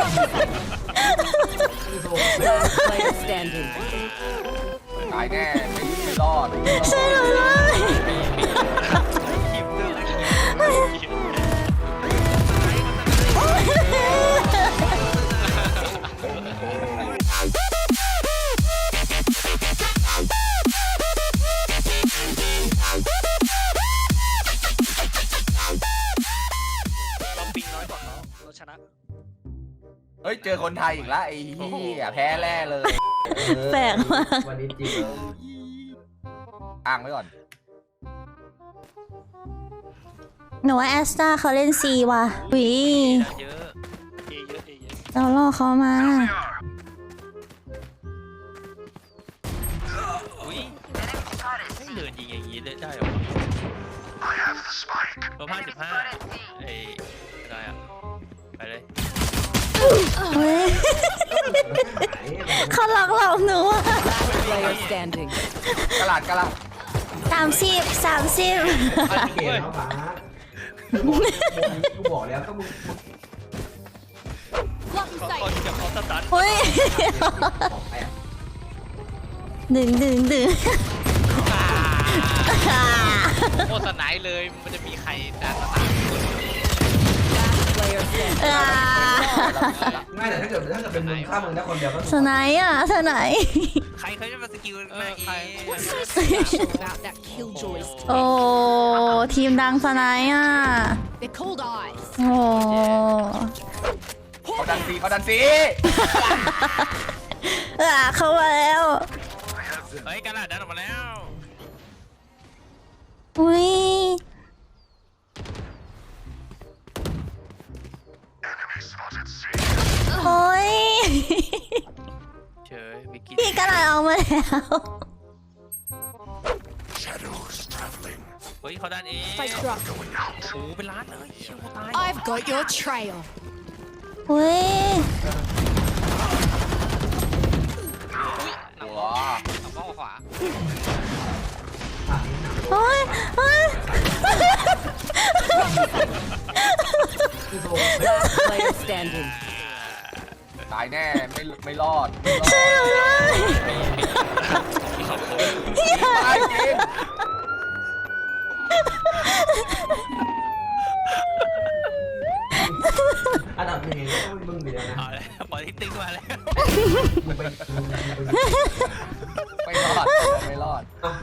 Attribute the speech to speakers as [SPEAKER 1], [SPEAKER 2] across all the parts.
[SPEAKER 1] Player standing.
[SPEAKER 2] ตายแน่ไม่รอด
[SPEAKER 3] ใช่หรือไม่
[SPEAKER 4] ทีมเลือกเราปิงน้อยกว่าเขาเราชนะ
[SPEAKER 2] เฮ้ยเจอคนไทยอีกแล้วไอ้เหี้ยแพ้แน่เลย
[SPEAKER 3] แปลกมาก
[SPEAKER 5] วันนี้จริง
[SPEAKER 2] อ้างไว้ก่อน
[SPEAKER 3] หนูว่าแอสตาเขาเล่นซีว่ะวิ
[SPEAKER 4] เยอะเยอะเยอะ
[SPEAKER 3] เราล่อเขามา
[SPEAKER 4] อุ้ยไม่เดินยิงอย่างนี้ได้หรอตัว55ไอ้อะไรอ่ะไปเลย
[SPEAKER 3] เฮ้ยเขาหลอกเราหนูอะ
[SPEAKER 1] Player standing.
[SPEAKER 2] กระลาด
[SPEAKER 3] 30
[SPEAKER 5] เกมแล้วหมากูบอกแล้วก็มึง
[SPEAKER 4] คนกับเขาสตัน
[SPEAKER 3] เฮ้ย
[SPEAKER 5] บอกไปอ่ะ
[SPEAKER 3] ดึง
[SPEAKER 4] โคตรไหนเลยมันจะมีใครด่าสตัน
[SPEAKER 1] Player standing.
[SPEAKER 5] ง่ายแต่ถ้าเกิดเป็นมึงฆ่ามึงได้คนเดียวก็
[SPEAKER 3] สไนด์อ่ะสไนด์
[SPEAKER 4] ใครเขาจะมาสกิลหน้าเอ
[SPEAKER 1] What's so special about that killjoy?
[SPEAKER 3] โอ้ทีมดังสไนด์อ่ะ
[SPEAKER 1] They're cold eyes.
[SPEAKER 3] โอ้
[SPEAKER 2] เขาดันซีเขาดันซี
[SPEAKER 3] เข้ามาแล้ว
[SPEAKER 4] เฮ้ยกระดาษดันออกมาแล้ว
[SPEAKER 3] อุ้ยโอ้ย
[SPEAKER 4] เฉยวิกกี้
[SPEAKER 3] พี่กระดาษออกมาแล้ว
[SPEAKER 4] เฮ้ยเขาดันเอง
[SPEAKER 1] Spike drop.
[SPEAKER 4] โอ้โหเป็นล้านเลยเชี่ยวตาย
[SPEAKER 1] I've got your trail.
[SPEAKER 3] อุ้ย
[SPEAKER 4] หนัง
[SPEAKER 2] ว้า
[SPEAKER 4] ข้อขวา
[SPEAKER 3] โอ้ยโอ้ย
[SPEAKER 1] Player standing.
[SPEAKER 2] ตายแน่ไม่รอด
[SPEAKER 3] ใช่หรือไม่
[SPEAKER 2] ตายจริง
[SPEAKER 5] อันดับหนึ่งก็มึงอยู่แล้วนะ
[SPEAKER 4] เอาแล้วปล่อยติ๊กมาแล้ว
[SPEAKER 5] มึงไป
[SPEAKER 2] ไม่รอด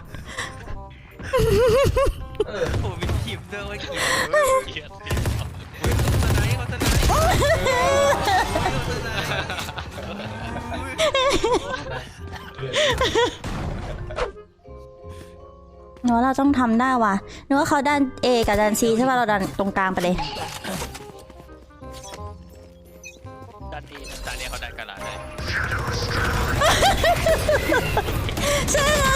[SPEAKER 5] เออ
[SPEAKER 4] โอ้มีทีมเลือกไว้เกลียดสไนเขาสไน
[SPEAKER 3] หนูว่าเราต้องทำได้ว่ะหนูว่าเขาดัน A กับดัน C ใช่ป่ะเราดันตรงกลางไปเลย
[SPEAKER 4] ดันดีดันเนี่ยเขาดันกระดาษเลย
[SPEAKER 3] ใช่แล้ว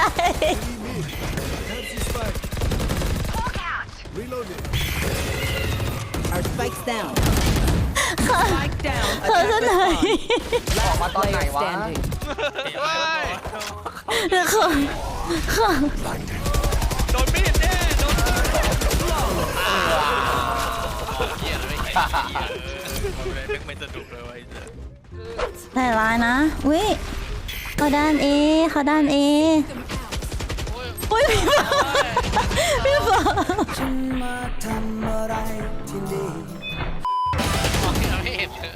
[SPEAKER 1] Our spikes down. Spike down.
[SPEAKER 3] เขาจะไหน
[SPEAKER 2] ออกมาตอนไหน
[SPEAKER 1] Player
[SPEAKER 2] วะ
[SPEAKER 1] standing.
[SPEAKER 3] เดี๋ยวเขาเขา
[SPEAKER 4] โดนมีดแน่โดนเหี้ยเลยไม่สนุกเลยไอ้เจ้า
[SPEAKER 3] แต่ร้ายนะอุ้ยเขาด้าน A เขาด้าน A อุ้ยพี่บอกพี่บอก
[SPEAKER 4] ไม่เห็นเลย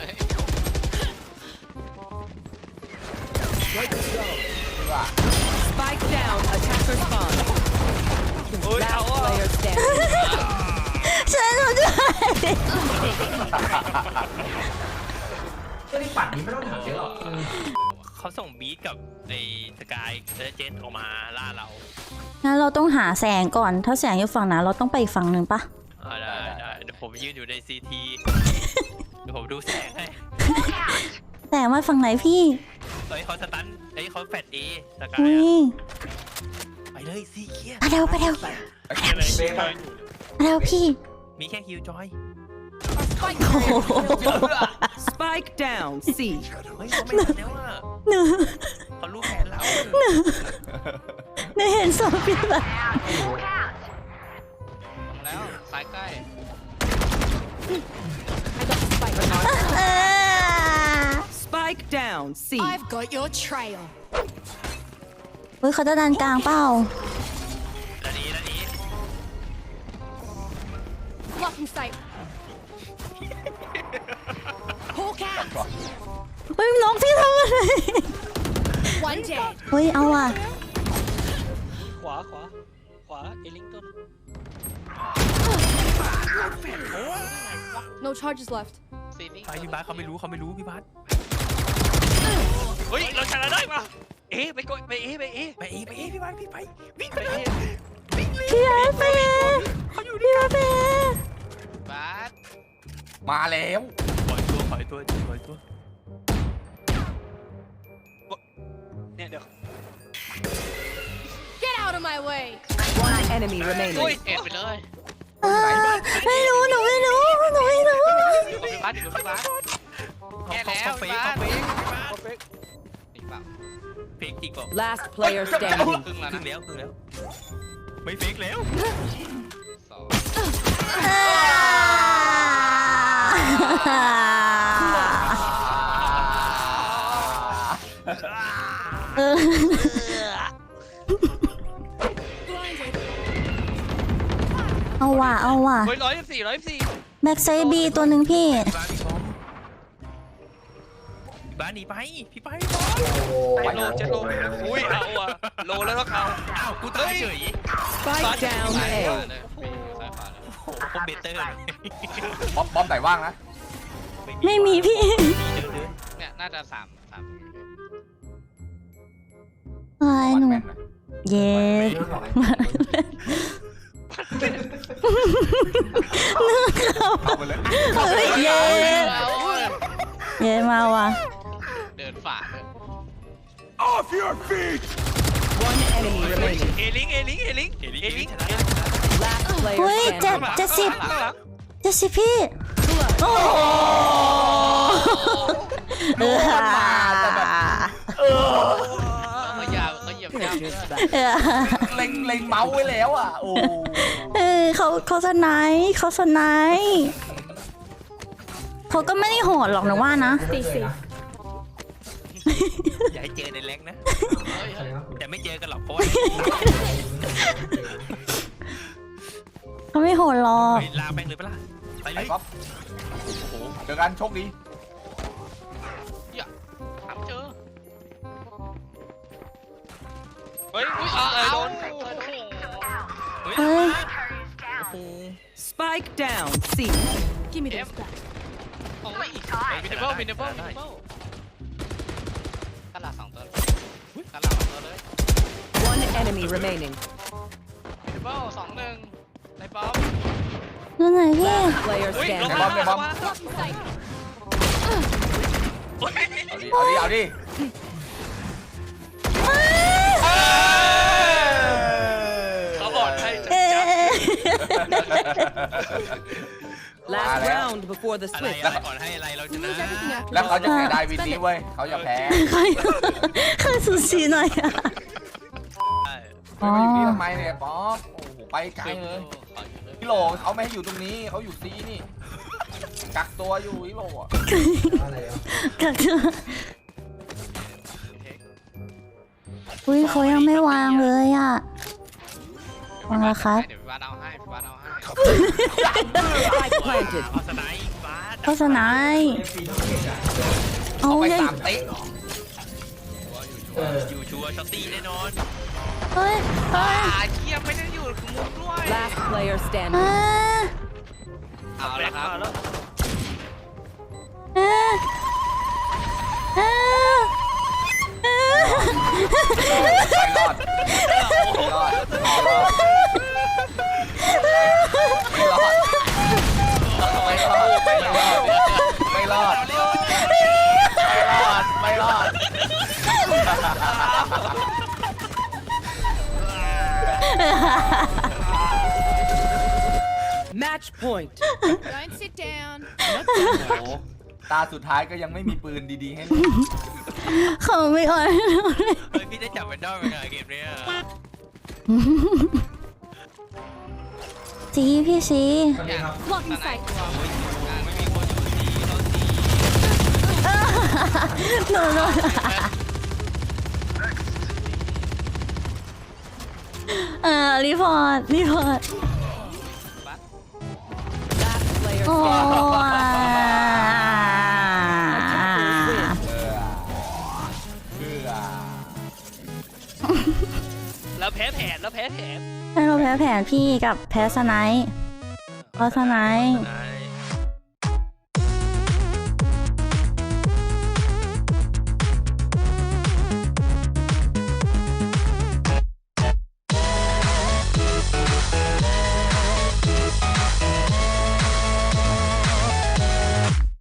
[SPEAKER 1] Spike down. Attacker spawn.
[SPEAKER 4] โอ้ยเอา
[SPEAKER 1] Last player standing.
[SPEAKER 3] ฉันหนูด้วย
[SPEAKER 5] ก็ที่ปัดนี้ไม่ต้องถามเยอะหรอก
[SPEAKER 4] เขาส่งบีทกับไอ้สกายและเจนออกมาล่าเรา
[SPEAKER 3] งั้นเราต้องหาแสงก่อนถ้าแสงอยู่ฝั่งนั้นเราต้องไปอีกฝั่งหนึ่งปะ
[SPEAKER 4] ได้เดี๋ยวผมยืนอยู่ในซีทีเดี๋ยวผมดูแสงให้
[SPEAKER 3] แสงมาฝั่งไหนพี่
[SPEAKER 4] เฮ้ยเขาสตันเฮ้ยเขาแฟดเอสกาย
[SPEAKER 3] อุ้ย
[SPEAKER 4] ไปเลยซีเคีย
[SPEAKER 3] ไปเร็วไปเร็ว
[SPEAKER 5] เบย์ไป
[SPEAKER 3] ไปเร็วพี่
[SPEAKER 4] มีแค่คิวจอย
[SPEAKER 1] Spike
[SPEAKER 3] โอ้โห
[SPEAKER 1] Spike down. C.
[SPEAKER 4] เฮ้ยเขาไม่ทันแล้วอ่ะ
[SPEAKER 3] หนู
[SPEAKER 4] เขารู้แผนเรา
[SPEAKER 3] หนูเห็นศพพี่แบบ
[SPEAKER 4] แล้วสายใกล้
[SPEAKER 1] I got the spike.
[SPEAKER 3] เออ
[SPEAKER 1] Spike down. C.
[SPEAKER 6] I've got your trail.
[SPEAKER 3] เฮ้ยเขาจะดันกลางเปล่า
[SPEAKER 4] แล้วนี้
[SPEAKER 6] Blocking sight. Hawk out.
[SPEAKER 3] เฮ้ยน้องพี่ทำอะไร
[SPEAKER 6] One dead.
[SPEAKER 3] เฮ้ยเอาว่ะ
[SPEAKER 7] ขวาเอลิงตัน
[SPEAKER 6] No charges left.
[SPEAKER 4] ซีนิ่ง
[SPEAKER 7] ไปพี่บาสเขาไม่รู้พี่บาสเฮ้ยเราชนะได้ปะไปกดไปพี่บาสพี่ไปวิ่งไป
[SPEAKER 3] พี่ไอ้เป้พี่ไอ้เป้
[SPEAKER 4] บาส
[SPEAKER 2] มาแล้ว
[SPEAKER 7] ถอยตัวเนี่ยเดี๋ยว
[SPEAKER 6] Get out of my way.
[SPEAKER 1] One enemy remaining.
[SPEAKER 4] เอ็ดไปเลย
[SPEAKER 3] ไม่รู้หนูไม่รู้
[SPEAKER 4] อยู่กับพี่บาสแค่แล้วพี่บาสนี่เปล่า
[SPEAKER 7] เฟกจริงเปล่า
[SPEAKER 1] Last player standing.
[SPEAKER 4] ครึ่งแล้ว
[SPEAKER 7] ครึ่
[SPEAKER 4] นะ
[SPEAKER 7] งแล้วไม่เฟกแล้ว
[SPEAKER 4] สอง
[SPEAKER 3] เอาว่ะ
[SPEAKER 4] เฮ้ย114
[SPEAKER 3] แบ็กไซบีตัวหนึ่งพี่
[SPEAKER 7] บ้านหนีไปพี่ไป
[SPEAKER 5] โอ้
[SPEAKER 4] ไปโลเจ็ดโลอุ้ยเอาอะโลแล้วก็เขา
[SPEAKER 7] อ้าวกูตายเฉย
[SPEAKER 1] Spike down
[SPEAKER 4] ซ้ายขวา
[SPEAKER 1] A.
[SPEAKER 4] เลยซ้ายขวาเลย
[SPEAKER 7] โอ้โหคอมเบเตอร์เลย
[SPEAKER 2] บอมไหนว่างนะ
[SPEAKER 3] ไม่มีพี่
[SPEAKER 4] เนี่ยน่าจะสาม
[SPEAKER 3] อะไรหนู
[SPEAKER 2] แม่นนะ
[SPEAKER 3] เย้
[SPEAKER 5] เรื่องของไอ้
[SPEAKER 2] เข้าไปเลย
[SPEAKER 3] เฮ้ยเย้เย้มาว่ะ
[SPEAKER 4] เดินฝ่าเลย
[SPEAKER 1] One enemy remaining.
[SPEAKER 7] เอลิงชนะ
[SPEAKER 1] Last
[SPEAKER 3] เฮ้ย
[SPEAKER 1] player
[SPEAKER 3] เจ็ด
[SPEAKER 1] standing.
[SPEAKER 3] เจ็ดสิบพี่ โอ้โห
[SPEAKER 4] เขาเหยียบย่ำ
[SPEAKER 1] Just back.
[SPEAKER 2] เล็งเมาส์ไว้แล้วอ่ะโอ้
[SPEAKER 3] เขาสไนป์เขาก็ไม่ได้โหดหรอกนะว่านะ
[SPEAKER 6] Stay safe.
[SPEAKER 7] อย่าให้เจอในแรงนะ
[SPEAKER 5] ใครนะ
[SPEAKER 7] แต่ไม่เจอกันหรอกเพราะว่า
[SPEAKER 3] เขาไม่โหดหรอก
[SPEAKER 7] ลาแม่งเลยปะล่ะไปเล
[SPEAKER 2] ไอ้
[SPEAKER 7] ย
[SPEAKER 2] ป๊อปเจอกันโชคดี
[SPEAKER 4] ถามเจอเฮ้ยโดน
[SPEAKER 3] เฮ้ย
[SPEAKER 1] Spike down. C.
[SPEAKER 6] Give me those back.
[SPEAKER 4] โอ้ยมินเนเบิลตลาด2 ตัวตลาด2 ตัวเลย
[SPEAKER 1] One enemy remaining.
[SPEAKER 4] มินเนเบิล2-1ในป๊อป
[SPEAKER 3] ดูไหนพี่
[SPEAKER 1] Player
[SPEAKER 4] อุ้ยลง
[SPEAKER 1] standing.
[SPEAKER 4] มา
[SPEAKER 6] Blocking sight.
[SPEAKER 2] เอาดิ
[SPEAKER 4] เขาบอกให้
[SPEAKER 1] Last round before the
[SPEAKER 7] อะไร
[SPEAKER 1] switch.
[SPEAKER 7] ก่อนให้อะไรเราช
[SPEAKER 6] We
[SPEAKER 7] นะ
[SPEAKER 6] lose everything after
[SPEAKER 2] แล้วเขาจะ
[SPEAKER 6] this.
[SPEAKER 2] เสียดายวินนี้เว้ยเขาจะแพ้
[SPEAKER 3] ใครสูสีหน่อยอะ
[SPEAKER 2] ไม่มาอยู่นี่ทำไมเนี่ยป๊อปโอ้โหไปไกลเลยพี่โหลเขาไม่ให้อยู่ตรงนี้เขาอยู่ซีนี่กักตัวอยู่พี่โหลอ่ะ
[SPEAKER 5] อะไรอ่ะ
[SPEAKER 3] กักตัวอุ้ยเขายังไม่วางเลยอ่ะ วางแล้วครับ
[SPEAKER 4] เดี๋ยวพี่บาสเอาให้
[SPEAKER 1] Spike planted.
[SPEAKER 7] เอาสไนป์ฟ้า
[SPEAKER 3] โฆษณา
[SPEAKER 5] ปีทั้งเด็กอ่ะ
[SPEAKER 3] เอา
[SPEAKER 2] ไป
[SPEAKER 3] เลย
[SPEAKER 2] 3 เตะ
[SPEAKER 5] เออ
[SPEAKER 7] อยู่ชัวร์ช็อตตี้แน่นอน
[SPEAKER 3] เฮ้ย
[SPEAKER 4] เทียไม่ได้อยู่มุมด้วย
[SPEAKER 1] Last player
[SPEAKER 3] อ่า
[SPEAKER 1] standing.
[SPEAKER 4] เอาละครับ
[SPEAKER 7] แล้ว
[SPEAKER 3] อ่าอ่าอ่า
[SPEAKER 2] ไม่รอดไม่รอดไม่รอด
[SPEAKER 1] Match point.
[SPEAKER 6] Don't sit down.
[SPEAKER 2] โอ้โหตาสุดท้ายก็ยังไม่มีปืนดีๆให้เล่น
[SPEAKER 3] เขาไม่อ่อน
[SPEAKER 7] เฮ้ยพี่ได้จับแวนดอลเป็นไงเกมเนี้ย
[SPEAKER 3] สีพี่สี
[SPEAKER 5] สวัสดีครับ
[SPEAKER 6] Blocking sight.
[SPEAKER 7] ไม่มีคนอยู่ที่เราตี
[SPEAKER 3] หนูรีพอร์ต
[SPEAKER 1] Last player
[SPEAKER 3] โอ้
[SPEAKER 7] แล้วแพ้แผน
[SPEAKER 3] ให้เราแพ้แผนพี่กับแพ้สไนป์เพราะสไนป์
[SPEAKER 7] ไหน